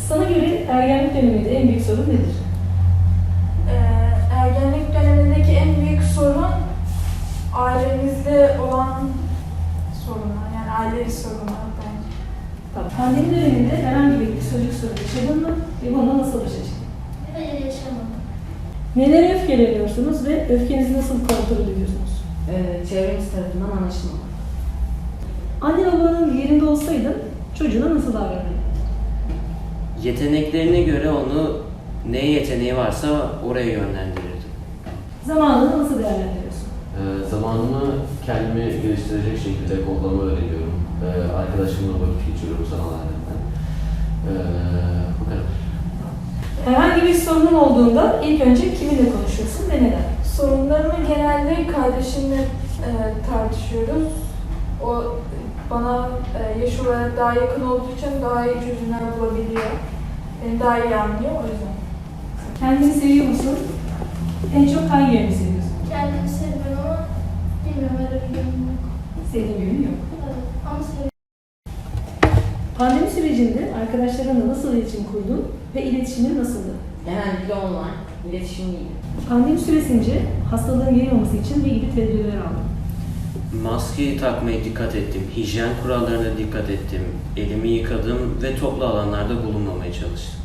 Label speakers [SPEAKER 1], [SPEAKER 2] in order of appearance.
[SPEAKER 1] Sana göre ergenlik döneminde en büyük sorun nedir?
[SPEAKER 2] Ergenlik dönemindeki en büyük sorun ailemizde olan sorunlar, yani ailevi sorunlar bence.
[SPEAKER 1] Tamam. Pandemi döneminde herhangi bir psikolojik sorun yaşadın mı ve bununla nasıl başa çıktın?
[SPEAKER 3] Hayır, yaşamadım.
[SPEAKER 1] Nelere öfkeleniyorsunuz ve öfkenizi nasıl kontrol ediyorsunuz?
[SPEAKER 4] Çevremiz tarafından anlaşılmalı.
[SPEAKER 1] Anne babanın yerinde olsaydın çocuğuna nasıl davranırdın?
[SPEAKER 5] Yeteneklerine göre onu neye yeteneği varsa oraya yönlendirirdim.
[SPEAKER 1] Zamanını nasıl değerlendiriyorsun?
[SPEAKER 6] Zamanımı kendimi geliştirecek şekilde kodlama öğreniyorum. Arkadaşımla vakit geçiriyorum sanal alemden. Bu kadar.
[SPEAKER 1] Herhangi bir sorunun olduğunda ilk önce kiminle konuşuyorsun ve neden?
[SPEAKER 2] Sorunlarımı genelde kardeşimle tartışıyoruz. O bana yaş olarak daha yakın olduğu için daha iyi çözümler bulabiliyor. Beni daha iyi anlıyor o yüzden.
[SPEAKER 1] Kendini seviyor musun? En çok hangi yerini seviyorsun?
[SPEAKER 3] Kendimi sevmiyorum ama bilmiyorum, öyle bir yönüm yok.
[SPEAKER 1] Sevdiğin yönü yok.
[SPEAKER 3] Evet, ama seviyorum.
[SPEAKER 1] Pandemi sürecinde arkadaşlarınla nasıl iletişim kurdun ve iletişimin nasıldı?
[SPEAKER 4] Genellikle online, iletişim değil.
[SPEAKER 1] Pandemi süresince hastalığın yayılmaması için ne gibi tedbirler aldın?
[SPEAKER 5] Maskeyi takmaya dikkat ettim, hijyen kurallarına dikkat ettim, elimi yıkadım ve toplu alanlarda bulunmamaya çalıştım.